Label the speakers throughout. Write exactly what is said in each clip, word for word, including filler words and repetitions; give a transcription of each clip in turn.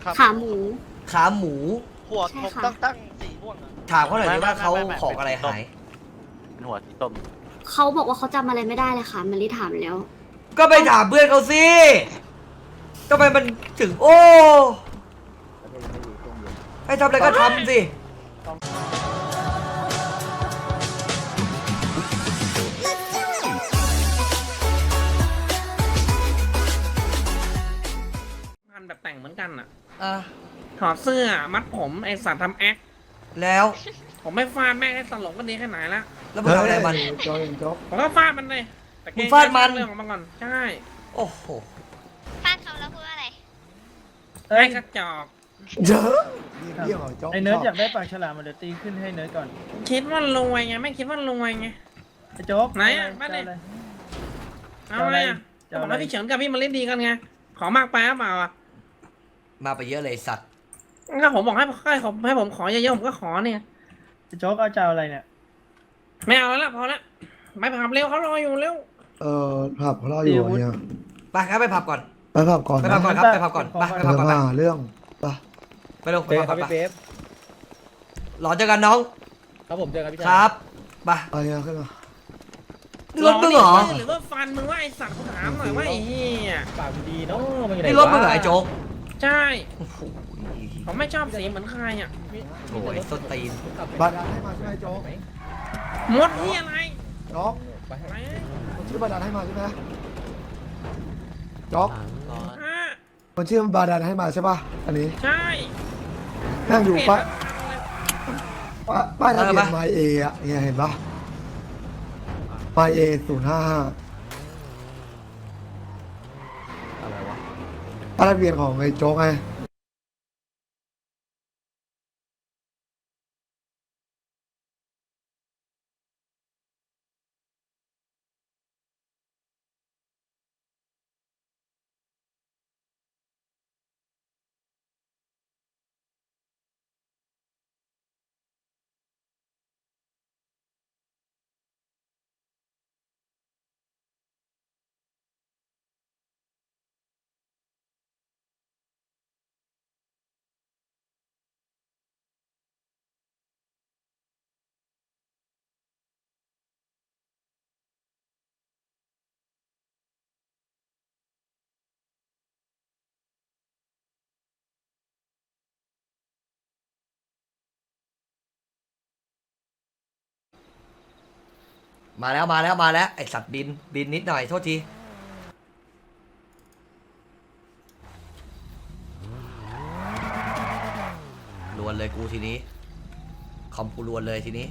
Speaker 1: ขาหมู
Speaker 2: ขาหมู
Speaker 3: หัวผมตั้งตั้งสีม่วงอะ
Speaker 2: ถามเขาหน่อยดิว่าเขาของอะไรหาย
Speaker 4: เป็นหัวสีส้ม
Speaker 1: เขาบอกว่าเขาจำอะไรไม่ได้เลยค่ะมันรีถามแล้ว
Speaker 2: ก็ไปถามเพื่อนเขาสิทำไมมันถึงโอ้ให้ทำอะไรก็ทำสิ
Speaker 5: งานแบบแต่งเหมือนกันอ่ะ
Speaker 2: อ่ะ
Speaker 5: ถอดเสื้อมัดผมไอสัตว์ทำแอค
Speaker 2: แล้ว
Speaker 5: ผมไม่ฟาดแม่งให้ตลกก็ดีแค่ไหนละ
Speaker 2: แล้วมึงทำอะไรมัน
Speaker 5: ผมก็ฟาดมันเลยแต่เกรง
Speaker 2: มึงฟาดมัน
Speaker 5: เรื่องของมันก่อนใช่
Speaker 2: โอ้โห
Speaker 6: ฟาดเขาแล้วพูดว่าอะไร
Speaker 5: ไอ้กระจอก
Speaker 2: เยอะ
Speaker 7: ไอ้เนิร์ดอยากได้ปากฉลามมาเดี๋ยวตีขึ้นให้เนิร์ดก่อน
Speaker 5: คิดว่ารวยไงไม่คิดว่ารวยไง
Speaker 7: ไอ้โจ๊ก
Speaker 5: ไหนอะมาดิ
Speaker 7: จะเอาอะไร
Speaker 5: เอาไงอ่ะ
Speaker 7: จะ
Speaker 5: บ
Speaker 7: เอา
Speaker 5: อก
Speaker 7: อะไร
Speaker 5: ให้พี่เฉินกับพี่มาเล่นดีกันไงขอมากไปหรือเปล่าอ่ะ
Speaker 2: มาไปเยอะเลยสัตว์
Speaker 5: ก็ผมบอกให้ให้ผมให้ผมขอเยอะๆผมก็ขอเนี่ย
Speaker 7: ไอ้โจ๊กเอาจะเอาอะไรเนี่ย
Speaker 5: ไม่เอาแล้วพอละไปผับเร็วเขารออยู่เร็ว
Speaker 8: เออผับเขารออยู่เนี่ย
Speaker 2: ไปครับไปผับก่อน
Speaker 8: ไปผับก่อน
Speaker 2: ไปผับก่อนครับไปผับก่อนไปไปผับก่อนไป
Speaker 8: มาเรื่องไป
Speaker 2: ไปเร็วไป
Speaker 9: เจอ
Speaker 2: ผับ
Speaker 9: ค
Speaker 2: ก่
Speaker 9: รั
Speaker 2: อบ น
Speaker 9: พี่
Speaker 2: ไป
Speaker 9: เบฟ
Speaker 2: หลอนเจอกันน้อง
Speaker 9: ครับผมเจอครับพี่
Speaker 2: ค
Speaker 9: ชาย
Speaker 2: รับไป
Speaker 8: ไปเนี่ยขึ้นมา
Speaker 2: นี่รถมึงเหรอ
Speaker 5: หรือว่าฟันมึงว่าไอสัตว์กูถามหน่อยว่าไอ้เหี้ย
Speaker 9: ปากดีเนาะมันอยู่ไหน
Speaker 2: นี่รถมึงเหรอไอ้โจ๊ก
Speaker 5: ใช่
Speaker 2: โอ้โห
Speaker 5: ผมไม่ชอบสีเหมือนใครอ่ะ
Speaker 2: โอ้ยส้นตีน
Speaker 8: บัตรให้มาใช่ไหมโจ๊ก
Speaker 5: มดนี่อะไร
Speaker 8: โจ๊ก
Speaker 5: ไป
Speaker 8: คนชื่อบาดาลให้มาใช่ไหมโจ๊ก
Speaker 5: อ่ะ
Speaker 8: คนชื่อบาดาลให้มาใช่ป่ะอันนี้
Speaker 5: ใช่
Speaker 8: นั่งอยู่ป้าย
Speaker 5: เปลี่ยน
Speaker 8: ป้ายทะเบียนไมเออะเนี่ยเห็นป่ะไมเอศูนย์ห้าห้า
Speaker 2: อะไรวะ
Speaker 8: ป้ายทะเบียนของไอ้โจ๊กไง
Speaker 2: มาแล้วมาแล้วมาแล้วไอสัตว์บินบินนิดหน่อยโทษทีลวนเลยกูทีนี้คอมกูลวนเลยทีนี้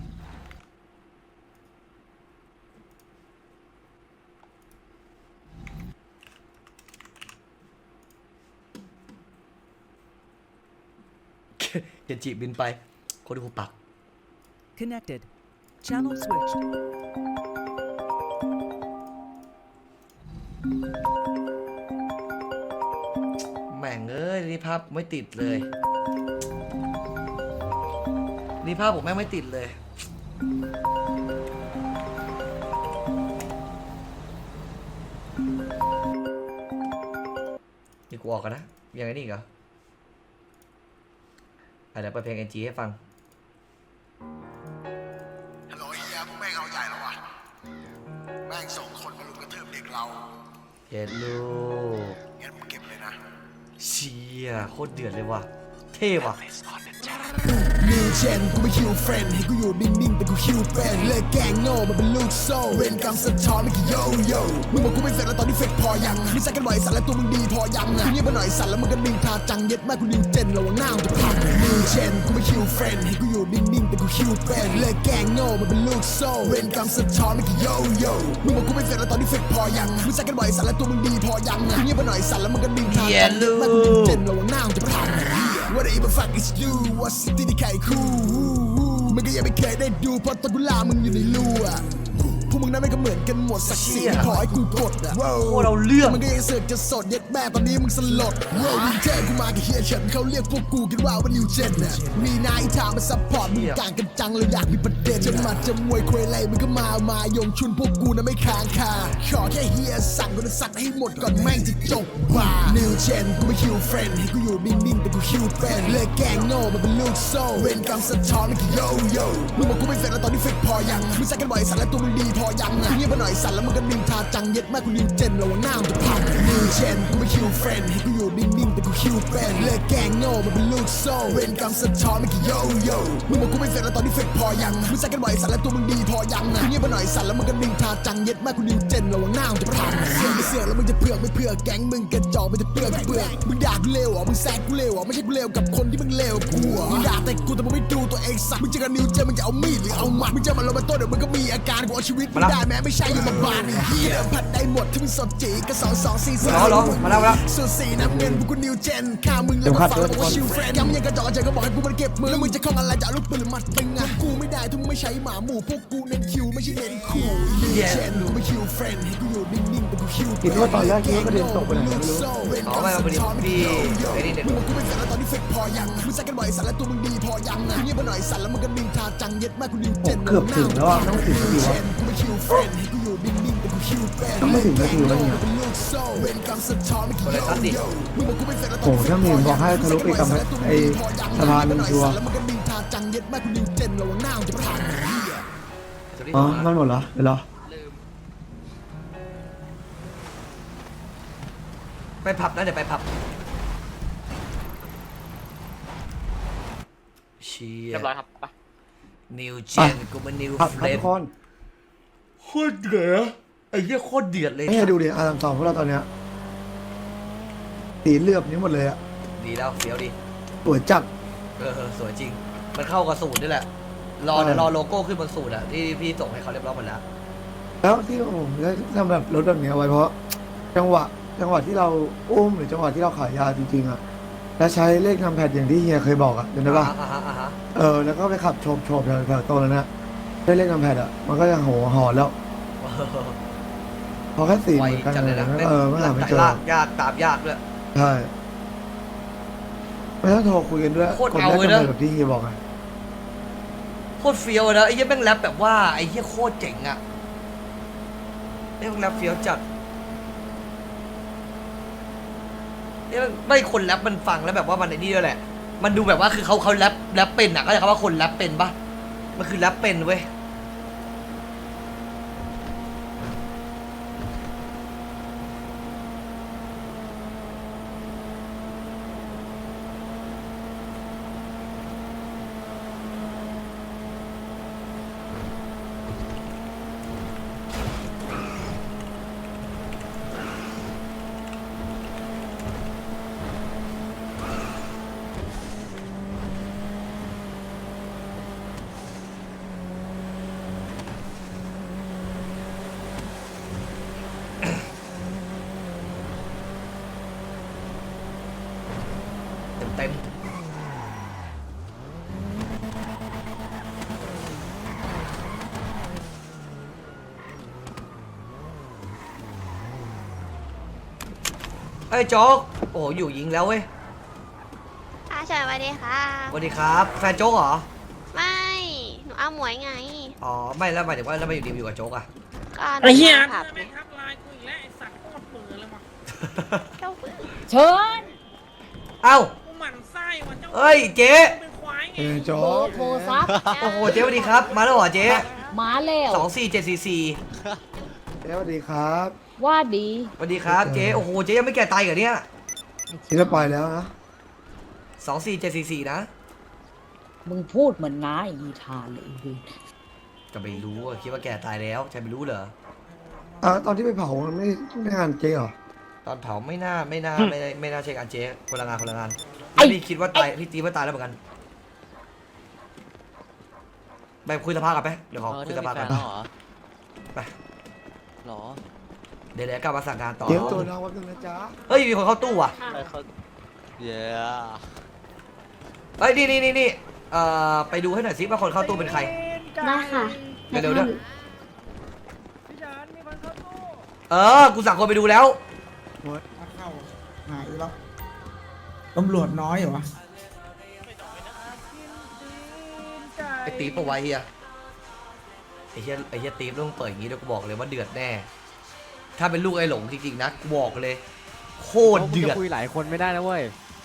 Speaker 2: เกนจิบินไปคนที่หูปัก
Speaker 10: Connected. Channel switched.
Speaker 2: แม่งเอ้ยนี่ภาพไม่ติดเลยนี่ภาพผมแม่งไม่ติดเลยนี่กูออกกันนะยังไงนี่อีกเหรออ่ะเดี๋ยวเปิดเพลง เอ็น จี ให้ฟัง
Speaker 11: ฮัลโหลเฮียพวกแม่งเอาใหญ่แล้ววะแม่งส่งคนมาลุมกระทืบเด็กเรา
Speaker 2: เย็ดลูก
Speaker 11: งั้นมึงเก็บเลยนะ
Speaker 2: เชี่ยโคตรเดือดเลยว่ะเท่ว่ะ
Speaker 11: นิวเจนกูไม่คิวเฟรนด์ให้กูอยู่นิ่งๆแต่กูคิวเป็นเลิกแกงโง่มันเป็นลูกโซ่เวรกรรมสะท้อนไม่กี่โยโย่มึงบอกกูไม่เสร็จแล้วตอนนี้เฟกพอยังไม่ใช่กันบ่อยสัตว์แล้วตัวมึงดีพอยังกูเงียบไปหน่อยสัตว์แล้วมึงก็นิ่งทาจังเย็ดแม่กูนิวเจนระวังหน้ามึงจะพังนิวเจนกูไม่คิวเฟรนด์ให้กูอยู่นิ่งๆแต่กูคิวเป็นเลิกแกงโง่มันเป็นลูกโซ่เวรกรรมสะท้อนไม่กี่โยโย่มึงบอกกูไม่เสร็จแล้วตอนนี้เฟกพอยังไม่ใช่กันบ่อยสัตว์แล้วตัวมึงดีพอยังกูเงียบไปหน่อยสัตว์แล้วมึงก็นิ่งทาจังเย็ดแม่กูนิวเจนระวังหน้ามึงจะพังWhat the even fuck is you What city ที่ใครคู่มึงก็ยังไม่เคยได้ดูเพราะตอนกูลามึงอยู่ในรูอะพวกมึงนั้นไม่ก็เหมือนกันหมดสักสีขอให้กูกดอะ
Speaker 2: โคตรเอาเรื่อง
Speaker 11: มันก็ยังเสือกจะสดเย็ดแม่ตอนนี้มึงสลดโว้ยเจอกูมากับเฮียเฉินเขาเรียกพวกกูกันว่าว่านิวเจนน่ะมีนายทางมาซัพพอร์ตมึงต่างกันจังเลยอยากมีประเด็นจะมาจะมวยคุยอะไรมึงก็มา มายงชุนพวกกูนะไม่ค้างคาขอแค่เฮียสั่งกูจะสักให้หมดก่อนแม่งจะจบบ้านิวเจนกูไม่คิวเฟรนด์ให้กูอยู่นิ่งๆแต่กูคิวเป็นเลิกแกงโง่มันเป็นลูกโซ่เวรกรรมสะท้อนมันคือโยโย่มึงบอกกูไม่เฟรนแล้วตอนนี้เฟรพอยังมึงใส่กันบ่อยสัตว์แล้วตัวมึงดีพอยังเงียบไปหน่อยสัตว์แล้วมึงก็นินทาจังเย็ดมากกูนิวเจนระวังหน้ามันจะพังนิวเจนกูไม่คิวเฟรนด์ให้กูอยู่นิ่งๆแต่กูคิวเป็นเลิกแกงโง่มันเป็นลูกโซ่เวรกรรมสะท้อนมันคือโยโย่มึงบอกกูไม่เฟรนแล้วตอนนี้เฟรพอยังมึงใส่กันบ่อยสัตว์แล้วตัวมึงดีพอยังเงียบไปหน่อยสัตว์แล้วมึงก็นินทาจังเย็ดมากกูนิวเจนระวังหน้ามันจะพังเสือกไม่เสือกแล้วมึงจะเผือกไม่เผือกแก๊งมึงกระจอกมันจะเปลือกเปลือกมึงด่ากูเลวอ่ะมึงแซงกูเลวอ่ะไม่ใช่กูเลวกับคนที่มึงเลวกูอ่ะมึงด่าแต่กูแต่มึงไม่ดูตัวเองสักมึงเจอกันนิวเจนมึงจะเอามีดหรือเอาหมัดมึงจะมาลงมาโต้เดี๋ยวมึงก็มีอาการกูเอาชีวิตมึงได้แม้ไม่ใช่อยู่มาบ้านไอ้เหี้ยผัดได้หมดที่มึงสดจีก็สองสองสี่สาม
Speaker 2: รอรอมาแล้วมาแล้ว
Speaker 11: ส่วนสีน้ำเงินพวกกูนิวเจนข้ามึงแล้วมาฟังแล้วบอกว่าชิวเฟรนย้ำยังกระจอกใจก็บอกให้กูมันเก็บมือแล้วมึงจะคล้องอะไรจะเอาลูกปืนหรือมัดตึงอ่ะกูไม่ได้ถ้ามึงไม่ใช้หมาหมู่พวกกูเน้นคิวไม่ใช่เน้นขู่นิวเจนหนูไม่คิวเฟรนให้กูอยู่นิ่งๆแต่กูคิว
Speaker 8: คิดว่าตอนแรกคิดว่าประเด็นตกไปไหนไม่รู้
Speaker 2: อ๋อไม่เอาพอดีพี่ไอ้นี่เด็ด
Speaker 11: มึงบอกกูไม่เฟรนแล้วตอนนี้เฟรพอยังมึงใส่กันบ่อยสัตว์แล้วตัวมึงดีพอยังเงียบไปหน่อยสัตว์แล้วมึงก็นินทาจังเย็ดมากกูนิวเจน
Speaker 8: เกือบถึงแล้วอ่ะต้องถึงสักทีวะ
Speaker 11: กูไม่คิวเฟรนให้กูอยู่นิ่งๆแต่กูคิวเป็น
Speaker 8: ต้องไม่ถึงนาทีแล้วเนี่ย
Speaker 11: เวรกรรมสะท้อนไม่กี่โยมึงบอกกูไม่เฟรนแล้วตอน
Speaker 8: โอ้ถ้ามีบอกให้ทะลุไปกับไอ้สะพานหนึ่งชัวร์
Speaker 11: แล้วมึงก็นินทาจังเย็ดมากกูนิวเจนระวังหน้ามันจะพังเหี้ย
Speaker 8: อ๋อมันหมดเหรอเดี๋ยวรอ
Speaker 2: ไปผับนะเดี๋ยวไปผับเชีย
Speaker 4: เรียบร้อยครับไป
Speaker 2: นิวเจนกูมันนิว
Speaker 8: ครับ
Speaker 2: เฟ
Speaker 8: ครับ
Speaker 2: ร
Speaker 8: ทุ
Speaker 2: ม
Speaker 8: กคน
Speaker 2: โคตรเดือดไอ้เหี้ยโคตรเดือดเลย
Speaker 8: นี่ดูดิอาร์มสองพวกเราตอนเนี้ยสีเหลือบนี้หมดเลยอะ
Speaker 2: ดีแล้วเฟี้ยวดี
Speaker 8: สวยจัด
Speaker 2: เออสวยจริง มันเข้ากับสูตรนี่แหละ รอ
Speaker 8: เออ
Speaker 2: เดี๋ยวรอโลโก้ขึ้นบนสูตรอะที่พี่ส่งให้เขาเรียบร้อยหมดแล้ว
Speaker 8: แล้วที่ผมได้ทำแบบรถแบบนี้เอาไว้เพราะ จังหวะจังหวะที่เราอุ้มหรือจังหวะที่เราขายยาจริงๆอะแล้วใช้เลขนำแพดอย่างที่เฮียเคยบอกอะจำได้ปะ
Speaker 2: อ่าฮะอ่าฮะ
Speaker 8: เออแล้วก็ไปขับโฉบโฉบแถวแถวโตแล้วนะได้เลขนำแพดอะมันก็จะโหหอนแล้วพอแค่สี่
Speaker 2: ไว
Speaker 8: เหมือนกัน
Speaker 2: จัดเลยนะ
Speaker 8: เออไม่หาไม่เจอ
Speaker 2: ลากยากตามยากด้วย
Speaker 8: ใช่ไม่ต้องโทรคุยกันด้วย
Speaker 2: โคตร
Speaker 8: กด
Speaker 2: เอา
Speaker 8: ได้
Speaker 2: เลย
Speaker 8: กำ
Speaker 2: นะ
Speaker 8: ไรแบบที่เฮียบอกไง
Speaker 2: โคตรเฟี้ยวเลยนะไอ้เหี้ยแม่งแรปแบบว่าไอ้เหี้ยโคตรเจ๋งอะไอ้แม่งแรปเฟี้ยวจัดไอ้แม่งไม่คนแรปมันฟังแล้วแบบว่ามันไอ้นี่ด้วยแหละ มันดูแบบว่าคือเขาเขาแรปแรปเป็นอะก็จะคำว่าคนแรปเป็นปะมันคือแรปเป็นเว้ยเต็มเต็มไอ้ยโจ๊กโอ้โหอยู่ยิงแล้วเว้ย
Speaker 6: อาเฉยสวัสดีค่ะ
Speaker 2: สวัสดีครับ แฟนโจ๊กเหรอ
Speaker 6: ไม่ หนูเอาหมวยไง
Speaker 2: อ๋อ ไม่แล้วหมายถึงว่าแล้วมาอยู่ดีมาอยู่กับโจ๊กอะ
Speaker 6: ก็หนู
Speaker 5: ไอ้เหี้ย
Speaker 6: มาผับ
Speaker 5: ไม่
Speaker 6: ไง
Speaker 5: ทักไลน์กูอีกแล้วไอ้สัตว์โคตรเบื่อเลยว่ะ
Speaker 6: เจ้าปื้
Speaker 1: เชิญ
Speaker 2: เอ้า
Speaker 5: กูหมั่นไส้ว่ะเจ้า
Speaker 2: เอ้ยเจ๊
Speaker 5: เป็นควายไง
Speaker 8: เออโจ๊
Speaker 1: เบอก ร์โทรศัพท์
Speaker 2: โอ้โหเจ๊สวัสดีครับ มาแล้วเหรอเจ๊
Speaker 1: มาแล้ว
Speaker 2: สองสี่เจ็ดสี่สี่
Speaker 8: เจ๊สวัสดีครับ
Speaker 1: ว่าดี
Speaker 2: สวัสดีครับเจ๊โอ้โหเจ๊ยังไม่แก่ตายเหรอเนี่ย
Speaker 8: ที่จะไปแล้วนะ
Speaker 2: สองสี่เจ็ดสี่สี่นะ
Speaker 1: มึงพูดเหมือนน้าอีทานเลยพี่
Speaker 2: จะไปรู้อะคิดว่าแก่ตายแล้วใช่ไม่รู้เหรอ
Speaker 8: อ่ะตอนที่ไปเผามันไม่ไม่งานเจ๊เหรอ
Speaker 2: ตอนเผาไม่น่าไม่น่าไม่ได้ไม่น่าใช่การเจ๊คนละงานคนละงานแล้วพี่คิดว่าตายพี่ตีว่าตายแล้วเหมือนกันไปคุยสภากันไหมเดี๋ยวขอคุยสภากัน
Speaker 4: เหรอ
Speaker 2: ไป
Speaker 4: หรอ
Speaker 2: เดี๋ยวเดี๋ยวกลับมาสั่งงานต่อ
Speaker 8: เจ๊ตัวน้องวัดนึงนะจ๊ะ
Speaker 2: เฮ้ยมีคนเข้าตู้อ่ะ
Speaker 4: ไปเขาเย้
Speaker 2: เฮ้ยนี่นี่นี่นี่เอ่อไปดูให้หน่อยสิว่าคนเข้าตู้เป็นใคร
Speaker 1: ได้ค่ะ
Speaker 2: เดี๋ยวเดี๋ยวเดี๋ยวเออกูสั่งคนไปดูแล้ว
Speaker 11: เข้าหายแล้วตำรวจน้อยเหรอวะ
Speaker 2: ไอ้ตีปะวะเฮียไอ้เฮียไอ้เฮียตีปต้องเปิดอย่างงี้ด้วยกูบอกเลยว่าเดือดแน่ ถ้าเป็นลูกไอ้หลงจริงๆนะกูบอกเลยโคตรเดือด
Speaker 4: คุยหลายคนไม่ได้นะเว้ย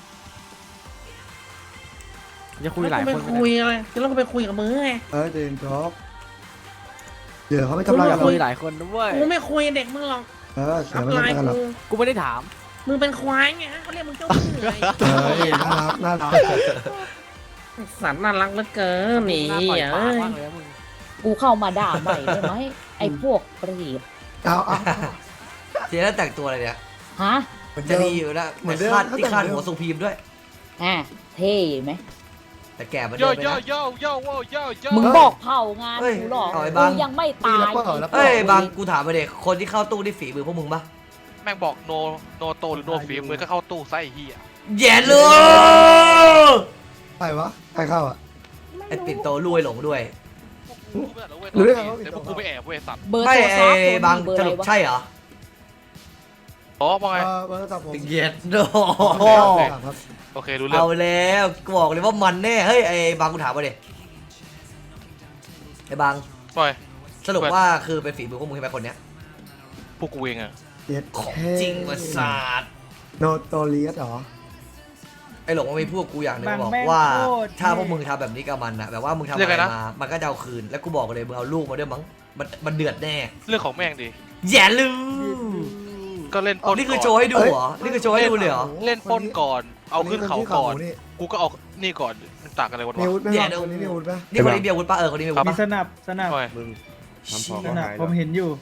Speaker 4: จะคุยหลาย
Speaker 5: ไป
Speaker 4: คน
Speaker 5: คุยอะไรจะต้องไปคุยกับมือไง
Speaker 8: เออเจนจ๊อบเดี๋ยวเขาไม่ทำร้าย
Speaker 4: จะ
Speaker 8: เรา
Speaker 4: คุยหลายคนนะเว้ย
Speaker 5: กูไม่คุยกับเด็กมึงหรอก
Speaker 8: เออเสื
Speaker 5: อั
Speaker 8: อ
Speaker 5: พ
Speaker 8: ไม่
Speaker 5: ไล
Speaker 8: ทำร้าย
Speaker 5: น์
Speaker 8: กันหรอก
Speaker 5: กู
Speaker 4: กูไม่ได้ถาม
Speaker 5: มึงเป็นควายไงฮะเขาเรียกมึงเจ้าเหนื่อย
Speaker 8: เออน่ารักน่ารัก
Speaker 5: สัตว์น่ารักเหลือเกินนี่
Speaker 4: หน้าปล่อยปาก
Speaker 5: เอ้ย
Speaker 4: มากเลยนะมึง
Speaker 1: กูเข้ามาด่าใหม่ได้ไหมไอ้พวกเปรียบ
Speaker 8: เอาเอา
Speaker 2: เจ๊แล้วแต่งตัวอะไรเนี่ย
Speaker 1: ฮะ
Speaker 2: มันจะดีอยู่นะ
Speaker 8: เหมือนเดิม
Speaker 2: คาด
Speaker 8: เขา
Speaker 2: ที่
Speaker 8: แต่ง
Speaker 2: คาด
Speaker 8: เดิม
Speaker 2: หัวทรงพีมด้วย
Speaker 1: อ่ะเท่ไหม
Speaker 2: แต่แก่มา
Speaker 3: โย
Speaker 2: เดิมไป
Speaker 3: โย
Speaker 2: นะ
Speaker 3: โยโยโยโยโย
Speaker 1: มึงบอกเผางาน
Speaker 2: เฮ้ย
Speaker 1: กูหรอก
Speaker 2: เอาไอ้
Speaker 1: กู
Speaker 2: บัง
Speaker 1: ยังไม่ตาย
Speaker 8: มีแล้วเปล่าแล้วเปล่า
Speaker 2: เอ้ยบางกูถามมาเด็กคนที่เข้าตู้นี่ฝีมือพวกมึงปะ
Speaker 3: แม่งบอกโนโนโตหรือโนฝีมือก็เข้าตู้ไส้เฮีย
Speaker 2: แย่เลย
Speaker 8: ใครวะใครเข้าอ่ะ
Speaker 2: ไอ้ปิ่นโตลุยหลงด้วย
Speaker 8: หรือได้ไงว่า
Speaker 3: แต่พวกกูไปแอบเว้ยสัตว์
Speaker 1: เบอร์
Speaker 2: ไม่
Speaker 1: โทรศัพท์
Speaker 2: ไอ้บาง
Speaker 1: เบอร์
Speaker 2: ส
Speaker 1: อะไร
Speaker 2: รุป
Speaker 1: วะ
Speaker 2: ใช่เหรอ
Speaker 3: อ๋อว่าไง
Speaker 8: เออเบอร์โทรศัพท์ผม
Speaker 2: เย็ดโด
Speaker 8: ครับ
Speaker 3: โอเครู้เรื่อง
Speaker 2: เอาแล้วกูบอกเลยว่ามันแน่เฮ้ยไอ้บางกูถามมาเด็ไอ้บาง
Speaker 3: ปล่อย
Speaker 2: สรุปว่าคือเป็นฝีมือพวกมึงใช่ไหมคนเนี้ย
Speaker 3: พวกกูเองอะ
Speaker 8: เจ็ด
Speaker 2: ของจริงมาศาสตร์
Speaker 8: โนโตเลียสเหรอ
Speaker 2: ไอ้หลงมันมีพวกกูอย่างหนึง
Speaker 7: บาง
Speaker 2: บอก
Speaker 7: แม่ง
Speaker 2: ว่า
Speaker 7: โคตร
Speaker 2: ถ้า
Speaker 7: เท่
Speaker 2: พวกมึงทำแบบนี้กับมันอะแบบว่ามึงทำอะไรมามันก็จะเอาคืนแล้วกูบอกเลยมึงเอาลูกมาด้วยมั้งมันมันเดือดแน่
Speaker 3: เรื่องของแม่งดิ
Speaker 2: แย่ลืม
Speaker 3: ก็เล่นป
Speaker 2: อ๋อ
Speaker 3: ล้น
Speaker 2: นี่คือ
Speaker 3: ก่
Speaker 2: โชว์ให้ดูเหรอนี่คือโชว์ให้ดูเลยเหรอ
Speaker 3: เล่นปล้นก่อน เอาขึ้นเขาก่อน
Speaker 8: นี่
Speaker 3: กูก็เอานี่ก่อนมันต่างกันอะไรวะ
Speaker 8: มีอาวุธไหม
Speaker 2: แย่
Speaker 8: วะ
Speaker 2: ดู
Speaker 8: คนนี้มีอาวุธไหม
Speaker 2: นี่คนนี้มีอาวุธปะเออคนนี้มีอาวุธ
Speaker 7: มี
Speaker 2: ปะ
Speaker 7: สนับสนับ
Speaker 3: ปล่อย
Speaker 4: มึงทำพอ
Speaker 7: สนับผมเห็นอยู่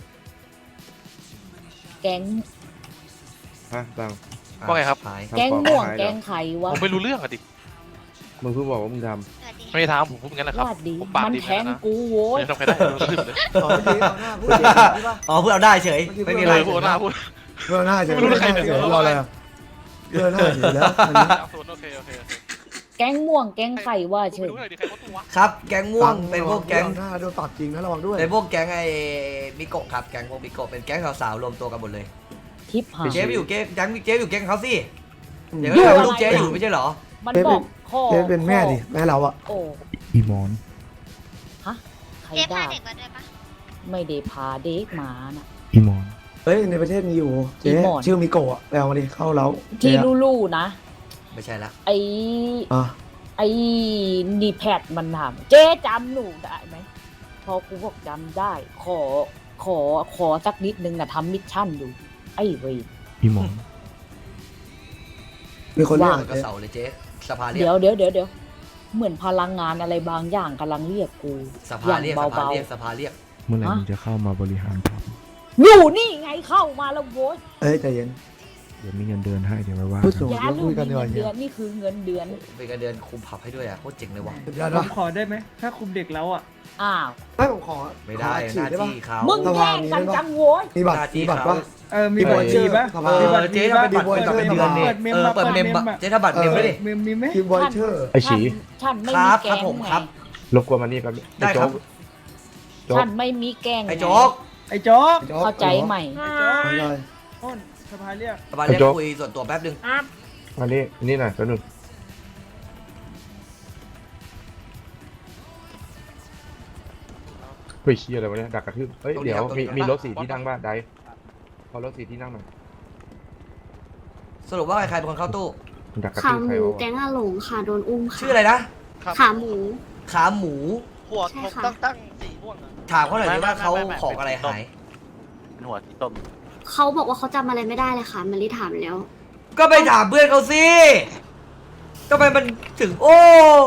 Speaker 1: แก๊ง
Speaker 4: ฮะบัง
Speaker 3: ว่าไงครับ
Speaker 2: หาย
Speaker 1: แก๊งม่วงแก๊งไข่วะ
Speaker 3: ผมไม่รู้เรื่องอะดิ
Speaker 4: มึงเพิ่งบอกว่ามึงท
Speaker 6: สวัสดี
Speaker 3: ไม่ได้ถามผมพูดอย่างนั้นแหละครับ
Speaker 1: วาดดี
Speaker 3: ผมปาก
Speaker 1: มัน
Speaker 3: ดีเห
Speaker 1: แท
Speaker 3: มือน
Speaker 1: ง
Speaker 3: กันนะ
Speaker 1: กูโว้ย
Speaker 3: ไม่ทำใครได้เลยเลย
Speaker 8: อ๋อเมื่อกี้เอาหน้าพูดใช่ปะ
Speaker 2: อ๋อพูดเอาได้เฉยไม่มีอะไร
Speaker 3: พูดหน้าพูด
Speaker 8: เพื่อหน้าเฉย
Speaker 3: ไม่รู้ใคร
Speaker 8: เฉ
Speaker 3: เนี่ย
Speaker 8: ยรออะไรอ่ะเพื่อหน้าเฉยแล้วอันนี้
Speaker 3: ศูนย์โอเคโอเคโอเค
Speaker 1: แก๊งม่วงแก๊งไข่ว่า
Speaker 3: กู
Speaker 1: เฉ
Speaker 3: ไม่
Speaker 1: ย
Speaker 3: รู้เลยดิใครว่าตัววะ
Speaker 2: ครับ แก๊งม่วงเป็นพวกแก๊ง
Speaker 8: หน้าโดนปรับจริงนะระวังด้วย
Speaker 2: เป็นพวกแก๊งไอ้มิโกะครับแก๊งพวกมิโกะเป็นแก๊งสาวๆรวมตัวกันหมดเลย
Speaker 1: ทิปหา
Speaker 2: เจ๊ไปอยู่แก๊งแก๊งเจ๊อยู่แก๊งเขาสิเดี๋ยว
Speaker 1: อยู่
Speaker 2: ก็
Speaker 1: อะไร
Speaker 2: ลูกเจ๊อยู่ไม่ใช่เหรอ
Speaker 1: มัน
Speaker 8: เจ๊
Speaker 1: บ
Speaker 8: เป็
Speaker 1: อน กข้อ
Speaker 8: เจ๊เป็นแม่ดิแม่เราอ่ะ
Speaker 1: โอ้
Speaker 9: อีมอน
Speaker 1: ฮะใคร
Speaker 6: เจ๊พา
Speaker 1: ด่า
Speaker 6: เด็กมาด้วยปะ
Speaker 1: ไม่ได้พาเด็กมาน่ะ
Speaker 9: อีมอน
Speaker 8: เฮ้ยในประเทศมีอยู่เจ๊
Speaker 1: อีหมอน
Speaker 8: ชื่อมิโกะไปเอามาดิเข้าเล้า
Speaker 1: ที่
Speaker 8: เจ๊อะ
Speaker 1: ลู่ๆนะ
Speaker 2: ไม่ใช่ละ
Speaker 1: ไอ้
Speaker 8: อ่ะ
Speaker 1: ไอ้นีแพดมันถามเจ๊จำหนูได้ไหมพอกูบอกจำได้ ขอขอขอสักนิดนึงนะทำมิชชั่นอยู่ ไอ้เวย
Speaker 9: อีมอน
Speaker 8: มีคนเรียก
Speaker 2: มัน
Speaker 8: อะ
Speaker 2: ก็
Speaker 8: เจ๊
Speaker 2: เสาเลยเจ๊สภาเรียก
Speaker 1: เดี๋ยวเดี๋ยวเดี๋ยวเดี๋ยวเหมือนพลังงานอะไรบางอย่างกำลังเรียกกู
Speaker 2: ส
Speaker 1: อ
Speaker 2: ภา
Speaker 1: ย่าง
Speaker 2: เรียกสภา
Speaker 1: เบา
Speaker 2: เรียกสภาเรียก
Speaker 9: เมื่อไหร่
Speaker 1: ฮะ
Speaker 9: มึงจะเข้ามาบริหารครับ
Speaker 1: ๆอยู่นี่ไงเข้ามาแล้วโว้ย
Speaker 8: เอ้ยใจเย็น
Speaker 9: เดี๋ยวมีเงินเดือนให้เดี๋ยวไว้ว่า
Speaker 8: พูด
Speaker 9: กัน
Speaker 8: สูง
Speaker 1: อย่า
Speaker 8: แล้ว
Speaker 1: ลื
Speaker 8: คุ
Speaker 1: ม
Speaker 8: ยกันดีก
Speaker 1: เงิ
Speaker 8: ว่าน เฮี
Speaker 1: เดื
Speaker 8: ย
Speaker 1: อนนี่คือเงินเดือน
Speaker 2: เป็นการเดือนคุมผับให้ด้วยอ่ะโคตรเจ๋งเลยว่ะ
Speaker 8: สุดยอด
Speaker 7: ผ
Speaker 8: ปะ
Speaker 7: มขอได้ไหม ถ้าคุมเด็กแล้วอ่ะ
Speaker 1: อ้าว
Speaker 8: ไม่ผมขอ
Speaker 2: ไม่ได้
Speaker 8: ขอ
Speaker 2: หน้า
Speaker 8: ฉีดได้ปะ
Speaker 2: ที่เขา
Speaker 1: มึง
Speaker 8: ส
Speaker 1: แย่
Speaker 8: ภาง มี
Speaker 1: กัน
Speaker 8: ได้ปะ
Speaker 1: จังโว้ย
Speaker 8: มีบัตร
Speaker 2: หน้าที่
Speaker 8: มีบัตร
Speaker 2: เขา
Speaker 8: ปะ
Speaker 7: เออ มีบัตรดีปะ
Speaker 8: เออ
Speaker 7: มี
Speaker 2: เอ
Speaker 7: บั
Speaker 2: อ
Speaker 7: ตร
Speaker 2: เจ๊
Speaker 7: ดี
Speaker 2: ถ้า
Speaker 7: ปะ
Speaker 2: เป็นบัตรเป็นเดือนเนี่ย
Speaker 7: เปิดเมม
Speaker 2: เออ
Speaker 7: มา
Speaker 2: เปิดเมม
Speaker 7: เปิดเมม
Speaker 2: อะ
Speaker 7: อะ
Speaker 2: เจ๊ถ้าบัตรเมมไม่ดิ
Speaker 7: มีมีไหม
Speaker 8: คิวบอยเชอร์
Speaker 9: ไอ้ฉี
Speaker 1: ฉันไม่
Speaker 2: ค
Speaker 1: มี
Speaker 2: รับค
Speaker 1: แก
Speaker 2: รับ
Speaker 1: ง
Speaker 2: ผม
Speaker 1: ไง
Speaker 2: ครับ
Speaker 9: รบกวนมานี่แป๊บนึง
Speaker 2: ได้ครับ
Speaker 9: โจ๊ก
Speaker 1: ฉันไม่มีแกง
Speaker 2: ไอ้โจ๊ก
Speaker 7: ไอ้โจ๊ก
Speaker 1: เข้าใจไหม
Speaker 8: ไม่ได้
Speaker 7: อ้นสภาเรียก
Speaker 2: สภาเรียกคุยส่วนตัวแป๊บนึง
Speaker 5: ครับ
Speaker 9: มานี่นี่หน่อยแป๊บนึงเฮ้ยเชี่ยอะไรวะเนี่ยดักกระทืบเฮ้ยเดี๋ยวมีมีรถสี่ที่นั่งบ้างได้พอรถสี่ที่นั่งหน่อย
Speaker 2: สรุปว่าใครเป็นคนเข้าตู้
Speaker 9: ดักกระ
Speaker 6: ขา
Speaker 9: ทืบ
Speaker 6: ห
Speaker 9: ใคร
Speaker 6: มู
Speaker 9: วะ
Speaker 6: แก๊งอาหลงค่ะโดนอุ้มค่ะ
Speaker 2: ชื่ออะไรนะ
Speaker 6: ขาหมู
Speaker 2: ขาหมู
Speaker 3: หัวผมตั้งตั้งสีม่วงอะ
Speaker 2: ถามเขาหน่อยดิว่าเขาของอะไรหาย
Speaker 3: เป็นหัวสีต้ม
Speaker 6: เขาบอกว่าเขาจำอะไรไม่ได้เลยค่ะมันรีถามแล้ว
Speaker 2: ก็ไปถามเพื่อนเขาสิก็ไปมันถึงโอ้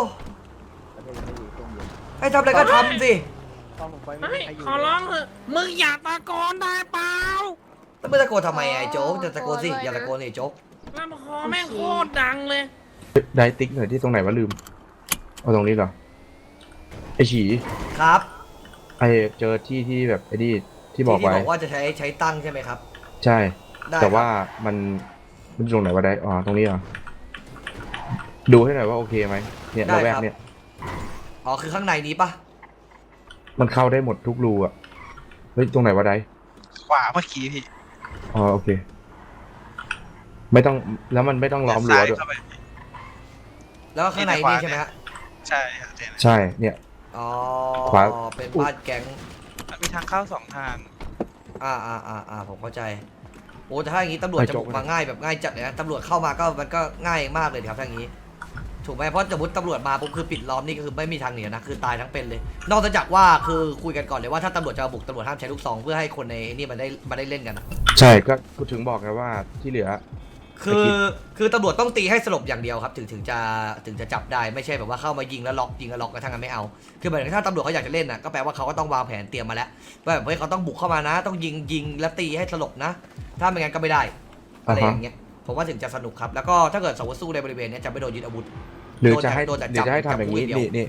Speaker 2: ให้ทำอะไรก็ทำสิ
Speaker 5: เฮ้ยขอร้องเถอะมึงอย่าตะโกนได้เปล่า
Speaker 2: แล้วไม่ตะโกนทำไมไอ้โจ๊กจะตะโกนสิอย่าตะโกนสิโจ๊ก
Speaker 5: ลำคอแม่งโคตรดังเลย
Speaker 9: ได้ติ๊กหน่อยที่ตรงไหนวะลืมเอาตรงนี้เหรอไอ้ฉี
Speaker 2: ครับ
Speaker 9: ไอเจอที่ที่แบบไอ้นี่ที่บอก
Speaker 2: ที่
Speaker 9: ไว้
Speaker 2: บอกว่าจะใช้ใช้ตั้งใช่ไหมครับ
Speaker 9: ใช่
Speaker 2: ได้
Speaker 9: แต่ว่ามันมันอยู่ตรงไหนวะได้อ๋อตรงนี้เหรอดูให้หน่อยว่าโอเคไหมเนี่ยระแวกเนี่ย
Speaker 2: อ๋อคือข้างในนี้ปะ
Speaker 9: มันเข้าได้หมดทุกรูอ่ะเฮ้ยตรงไหนวะได้
Speaker 3: ขวาเมื่อกี้พี่
Speaker 9: อ๋อโอเค ไม่ต้องแล้วมันไม่ต้องล้อมรั้วด้วย
Speaker 2: แล้วก็ข้างในนี่ใช่ไหมฮะ
Speaker 3: ใช่ครับ
Speaker 9: ใช่เนี่ย
Speaker 2: อ๋อ
Speaker 9: ขวา
Speaker 2: เป็นบ้านแก๊ง
Speaker 3: มีทางเข้าสองทาง
Speaker 2: อ่าอ่าอ่าอ่าผมเข้าใจโอ้แต่ถ้าอย่างนี้ตำรวจจะบุกมาง่ายแบบง่ายจัดเลยนะตำรวจเข้ามาก็มันก็ง่ายมากเลยครับถ้าอย่างนี้ถูกไหมเพราะสมมติตำรวจมาปุ๊บคือปิดล้อมนี่ก็คือไม่มีทางหนีนะคือตายทั้งเป็นเลย นอกจากว่าคือคุยกันก่อนเลยว่าถ้าตำรวจจะบุกตำรวจห้ามใช้ลูกซองเพื่อให้คนในนี่มันได้มาได้เล่นกันนะ
Speaker 9: ใช่ก็กูถึงบอกไงว่าที่เหลือ
Speaker 2: คือคือตำรวจต้องตีให้สลบอย่างเดียวครับถึงถึงจะถึงจะจับได้ไม่ใช่แบบว่าเข้ามายิงแล้วล็อกยิงแล้วล็อกกระทั่งกันไม่เอาคือหมายถึงถ้าตำรวจเขาอยากจะเล่นน่ะก็แปลว่าเขาก็ต้องวางแผนเตรียมมาแล้วว่าแบบเฮ้ยเขาต้องบุกเข้ามานะ ต้องยิงยิงแล้วตีให้สลบนะ ถ้าไม่งั้นก็ไม่ได้อะไรอย่างเงี้ยผมว่าถึงจะสนุกครับแล้วก็ถ้าเกิดสมมติสู้ในบริเวณนี้จะไม่โดนยึดอาวุธ
Speaker 9: หรือจะให้
Speaker 2: โดนแต่
Speaker 9: หรือจะให้ทำอย่างนี้
Speaker 2: จับ
Speaker 9: นี่นี่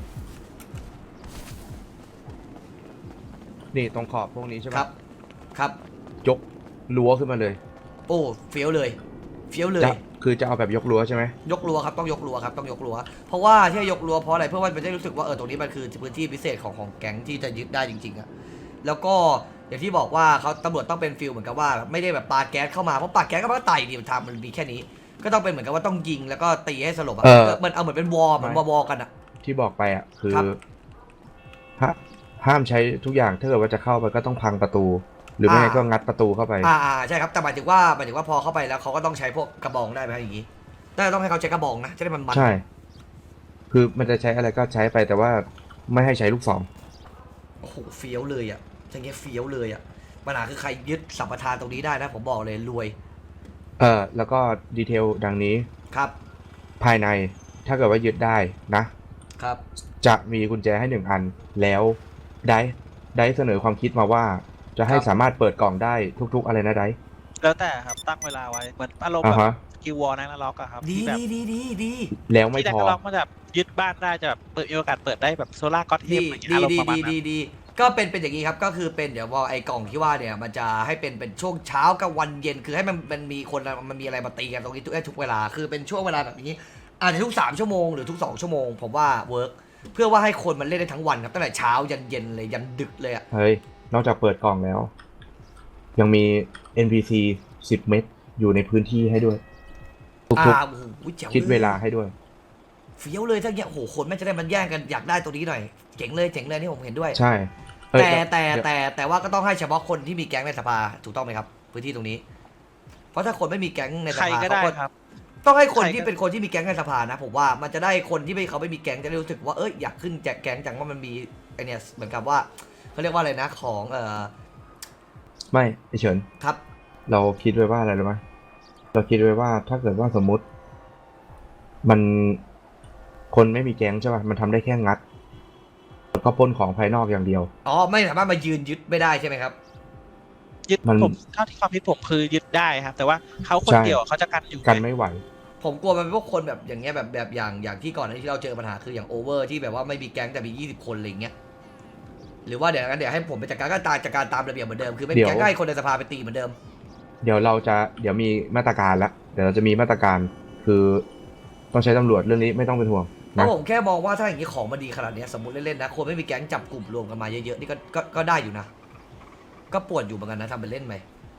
Speaker 9: นี่ตรงขอบพวกนี้ใช่ไหม
Speaker 2: ครับครับ
Speaker 9: ยกรั้วขึ้นมาเลย
Speaker 2: โอ้เฟี้ยวเลยเฟี้ยวเลย
Speaker 9: จะคือจะเอาแบบยกรั้วใช่ไหม
Speaker 2: ยกรั้วครับต้องยกรั้วครับต้องยกรั้วเพราะว่าที่ยกรั้วเพราะอะไรเพื่อว่ามันจะรู้สึกว่าเออตรงนี้มันคือพื้นที่พิเศษของของแก๊งที่จะยึดได้จริงๆอะแล้วก็อย่างที่บอกว่าเขาตำรวจต้องเป็นฟิลเหมือนกับว่าไม่ได้แบบปาแก๊สเข้ามาเพราะปาแก๊สก็มันก็ไต่ดิทางมันมีแค่นี้ ก็ต้องเป็นเหมือนกับว่าต้องยิงแล้วก็ตีให้สลบอะเหมือนเอาเหมือนเป็นวอร์เหมือนวอร์กันอะ
Speaker 9: ที่บอกไปอ่ะคือ
Speaker 2: ครับ
Speaker 9: ห้าห้ามใช้ทุกอย่างถ้าเกิดว่าจะเข้าไปก็ต้องพังประตู หรือไม่งั้นก็งัดประตูเข้าไป
Speaker 2: อ่าอ่าใช่ครับแต่หมายถึงว่าหมายถึงว่าพอเข้าไปแล้วเขาก็ต้องใช้พวกกระบองได้ไหมอย่างนี้ได้ต้องให้เขาใช้กระบองนะจะได้มันมัน
Speaker 9: ใช่ คือมันจะใช้อะไรก็ใช้ไปแต่ว่าไม่ให้ใช้ลูกศร
Speaker 2: โอ้โหเฟี้ยวเลยอะอย่างเงี้ยเฟี้ยวเลยอะปัญหาคือใครยึดสัมปทานตรงนี้ได้นะผมบอกเลยรวย
Speaker 9: เออแล้วก็ดีเทลดังนี้
Speaker 2: ครับ
Speaker 9: ภายในถ้าเกิดว่ายึดได้นะ
Speaker 2: ครับ
Speaker 9: จะมีกุญแจให้หนึ่งอัน แล้วได้ได้เสนอความคิดมาว่า จะให้สามารถเปิดกล่องได้ทุกๆอะไรนะได้
Speaker 3: แล้วแต่ครับตั้งเวลาไว้เหมือนอารมณ์
Speaker 9: อ่า
Speaker 3: แบบ
Speaker 9: ฮะ
Speaker 3: กิววอลนั่นล็อกอะครับ
Speaker 2: ดี
Speaker 3: ที่แบบ
Speaker 2: ดีดีดีดี
Speaker 9: แล้วไม่
Speaker 3: ที่
Speaker 9: พ
Speaker 3: นั่
Speaker 9: อน
Speaker 3: ล็อกมันแบบยึดบ้านได้จะแบบเปิดมีโอกาสเปิดได้แบบโซล่าก็อตเท
Speaker 2: ดี
Speaker 3: มอะไรอย่างเงี้ย
Speaker 2: ดี
Speaker 3: อารมณ์ประมา
Speaker 2: ดีดี
Speaker 3: ณนั้น
Speaker 2: ดีดีก็เป็นเป็นอย่างนี้ครับก็คือเป็นเดี๋ยวพอไอ้กล่องที่ว่าเนี่ยมันจะให้เป็นเป็นช่วงเช้ากับวันเย็นคือให้มันมันมีคนมันมีอะไรมาตีกันตรงนี้ทุกทุกเวลาคือเป็นช่วงเวลาแบบนี้อาจจะทุกสามชั่วโมงหรือทุกสองชั่วโมงผมว่าเวิร์กเพื่อว่าให้คนมันเล่นได้ทั้งวันครับตั้งแต่เช้ายันเย็นเลยยันดึกเลยอะ
Speaker 9: เฮ้ยนอกจากเปิดกล่องแล้ว ยังมี เอ็น พี ซี สิบเม็ดอยู่ในพื้นที่ให้ด้วยทุก
Speaker 2: อ่าโอ้โหแจ๋ว
Speaker 9: ๆคิดเวลาให้ด้วย
Speaker 2: เฟี้ยวเลยถ้าเงี้ยโอ้โหคนไม่จะได้มันแย่งกันอยากได้ตัวนี้หน่อยเจ๋งเลยเจ๋งเลยนี่ผมเห็นด้วย
Speaker 9: ใช่เอ้ย
Speaker 2: แต่แต่
Speaker 9: เดี๋ยว
Speaker 2: แต่แต่ว่าก็ต้องให้เฉพาะคนที่มีแก๊งในสภาถูกต้องไหมครับ พื้นที่ตรงนี้ เพราะถ้าคนไม่มีแก๊งในส
Speaker 3: ใคร
Speaker 2: ภา
Speaker 3: ก็ได้
Speaker 2: เขาก็
Speaker 3: ครับ
Speaker 2: ต้องให้คน
Speaker 3: ใครก็
Speaker 2: ที่เป็นคนที่มีแก๊งในสภานะผมว่ามันจะได้คนที่ไม่เขาไม่มีแก๊งจะได้รู้สึกว่าเอ้ยอยากขึ้นแจกแก๊งจังว่ามันมีไอเนี่ยเหมือนกับว่าเขาเรียกว่าอะไรนะของเอ่อ
Speaker 9: ไม่ไอเฉิน
Speaker 2: ครับ
Speaker 9: เราคิดไว้ว่าอะไรรู้ไหมเราคิดไว้ว่าถ้าเกิดว่าสมมุติ มันคนไม่มีแก๊งใช่ป่ะมันทำได้แค่งัดแล้วก็ปล้นของภายนอกอย่างเดียว
Speaker 2: อ๋อไม่สามารถมายืนยึดไม่ได้ใช่ไหมครับ
Speaker 3: ยึด
Speaker 9: มัน
Speaker 3: ผมเท่าที่ความคิดผมคือยึดได้ครับ แต่ว่าเขาคน
Speaker 9: ใช่
Speaker 3: เดียวเขาจะกันอยู่
Speaker 9: กันไม่ไหว
Speaker 2: ผมกลัวมันเป็นพวกคนแบบอย่างเงี้ยแบบแบบอย่างอย่างที่ก่อนหน้านี้ที่เราเจอปัญหาคืออย่างโอเวอร์ที่แบบว่าไม่มีแก๊งแต่มียี่สิบคนอะไรอย่างเงี้ยหรือว่าเดี๋ยวงั้นเดี๋ยวให้ผมไปจัดการก็ตามจัดการตามระเบียบเหมือนเดิมคือไม่มีแก๊งก็ให้คนในสภาไปตีเหมือนเดิม
Speaker 9: เดี๋ยวเราจะเดี๋ยวมีมาตรการละเดี๋ยวเราจะมีมาตรการคือต้องใช้ตำรวจเรื่องนี้ไม่ต้องเป็นห่วง
Speaker 2: เพราะ
Speaker 9: นะ
Speaker 2: ผมแค่มองว่าถ้าอย่างนี้ของมันดีขนาดเนี้ยสมมติเล่นๆนะคนไม่มีแก๊งจับกลุ่มรวมกันมาเยอะๆนี่ก็ก็ก็ได้อยู่นะก็ปวดอยู่เหมือนกันนะทำเป็นเล่นไหม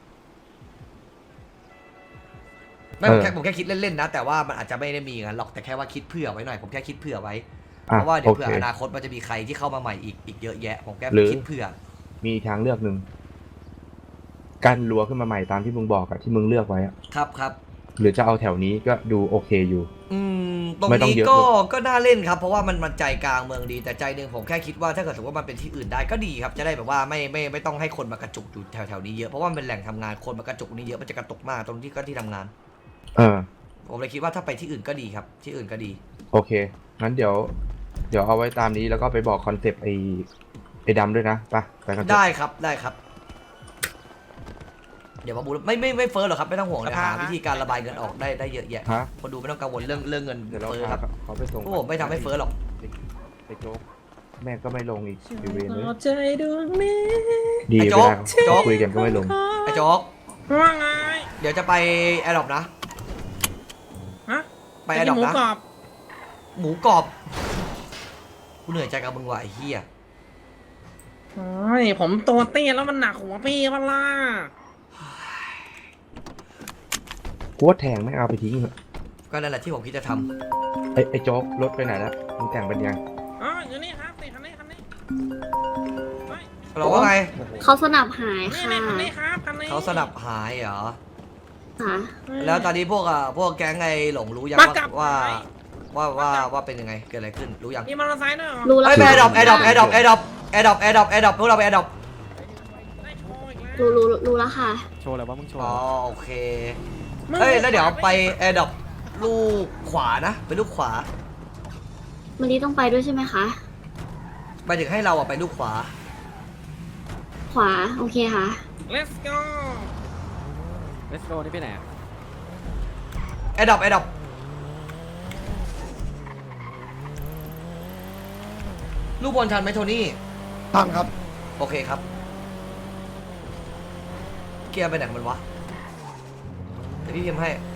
Speaker 2: ไม่ผมแค่ผมแค่คิดเล่นๆนะแต่ว่ามันอาจจะไม่ได้มีงั้นหรอกแต่แค่ว่าคิดเผื่อไว้หน่อยผมแค่คิดเผื่อไว้
Speaker 9: อ่ะ
Speaker 2: เพราะว่าเดี๋ยว
Speaker 9: โอ
Speaker 2: เผื่อ
Speaker 9: เค
Speaker 2: อนาคตมันจะมีใครที่เข้ามาใหม่อีกอีกเยอะแยะผมแค่
Speaker 9: หรือ
Speaker 2: คิดเผื่อ
Speaker 9: มีทางเลือกหนึ่งกั้นรั้วขึ้นมาใหม่ตามที่มึงบอกอะที่มึงเลือกไว้อะ
Speaker 2: ครับครับ
Speaker 9: หรือจะเอาแถวนี้ก็ดูโอเคอยู่
Speaker 2: อืมตรง
Speaker 9: ไม่ต้อง
Speaker 2: นี้
Speaker 9: เยอะ
Speaker 2: ก็
Speaker 9: ด้วย
Speaker 2: ก็น่าเล่นครับ เพราะว่ามันมันใจกลางเมืองดีแต่ใจหนึ่งผมแค่คิดว่าถ้าเกิดสมมติว่ามันเป็นที่อื่นได้ก็ดีครับจะได้แบบว่าไม่ไม่ไม่ต้องให้คนมากระจุกอยู่แถวแถวนี้เยอะเพราะว่ามันเป็นแหล่งทำงานคนมากระจุกนี้เยอะมันจะกระตุกมากตรงที่ก็ที่ทำงาน
Speaker 9: เออ
Speaker 2: ผมเลยคิดว่าถ้าไปที่อื่นก็ดีครับที่อื่นก็ดี
Speaker 9: โอเคงั้นเดี๋ยว เดี๋ยวเอาไว้ตามนี้แล้วก็ไปบอกคอนเซปต์ไอ้ไอ้ดำด้วยนะไปไปกันเถอะ
Speaker 2: ได้ครับได้ครับ เดี๋ยวมาบูไม่ไม่ไม่เฟ้อหรอกครับไม่ต้องห่วงเลยหาวิธีการระบายเงินออกได้ได้เยอะแยะ
Speaker 9: ฮะ
Speaker 2: คนดูไม่ต้องกังวลเรื่องเรื่องเงิน
Speaker 9: เดี๋ยวเรา
Speaker 2: เฟ้อ
Speaker 9: พา
Speaker 2: ครับ
Speaker 9: เขาไปส่ง
Speaker 2: พวกผมไม่ทำให้เฟ้อหรอก
Speaker 9: ไอ้โจ๊กแม่ก็ไม่ลงอีกอยู่เวรเลย
Speaker 7: ใจดวงนี้
Speaker 9: ดี
Speaker 2: ไอ้
Speaker 9: เว
Speaker 2: โจ๊ก
Speaker 9: ลา
Speaker 2: โจ๊ก
Speaker 9: คุยกันก็ไม่ลง
Speaker 2: ไอ้โจ๊ก
Speaker 5: ว่าไง
Speaker 2: เดี๋ยวจะไปแอร์ดรอปนะ
Speaker 5: ฮะ
Speaker 2: ไปแอร์ดรอป
Speaker 5: หมู
Speaker 2: นะ
Speaker 5: กรอบ
Speaker 2: หมูกรอบกูเหนื่อยใจกับมึงว่ะไอ้เหี้ย
Speaker 5: โอ้ยผมตัวเตี้ยแล้วมันหนักหัวพี่เวล่ะ
Speaker 9: กูว่าแทงไม่เอาไปทิ้งเถอะ
Speaker 2: ก็นั่นแหละที่ผมคิดจะทำ
Speaker 9: ไอ้ไอ้โจ๊กรถไปไหนแล้วมึงแต่งเป็นยัง
Speaker 5: อ๋ออยู่นี่ครับนี่คันนี้คันนี้เฮ้ย
Speaker 2: เราว่าไง
Speaker 6: เขาสนับหาย
Speaker 5: นี่
Speaker 6: ค่ะ
Speaker 5: นี่คันนี้ครับคันนี้
Speaker 2: เขาสนับหายเหรอ
Speaker 6: ค่ะ
Speaker 2: แล้วตอนนี้พวกอ่ะพวกแก๊งไอ้หลงรู้ยัง
Speaker 5: มา
Speaker 2: ว่าก
Speaker 5: ลับ
Speaker 2: ว่า
Speaker 5: ไหน
Speaker 2: ว่าว่าว่าเป็นยังไงเกิดอะไรขึ้นรู้ยัง
Speaker 5: มีมอเตอร์ไซค์ด้วยเหรอ
Speaker 6: รู้แล้ว
Speaker 2: ไอ้แอร์ดรอปแอร์ดรอปแอร์ดรอปแอร์ดรอปแอร์ดรอปแอร์ดรอปแอร์ดรอปพวกเราไปแอร์ดรอป
Speaker 5: ได้โชว์อีกแล้ว
Speaker 6: รู้รู้รู้แล้วค่ะ
Speaker 4: โชว์อะไรวะมึงโชว์
Speaker 2: อ๋อโอเคเฮ้ยแล้วเดี๋ยวไปแอร์ดรอปลูกขวานะไปลูกขวา
Speaker 6: มันนี้ต้องไปด้วยใช่ไหมคะ
Speaker 2: ไปถึงให้เราอ่ะไปลูกขวา
Speaker 6: ขวา โอเคค่ะ
Speaker 5: let's go
Speaker 4: เลสโกนี่ไปไหน
Speaker 2: แอร์ดรอปแอร์ดรอปลูกบอลทันไหมโทนี่
Speaker 8: ทำครับ
Speaker 2: โอเคครับเกียร์ไปไหนมันวะเดี๋ยวพี่พิมพ์ให้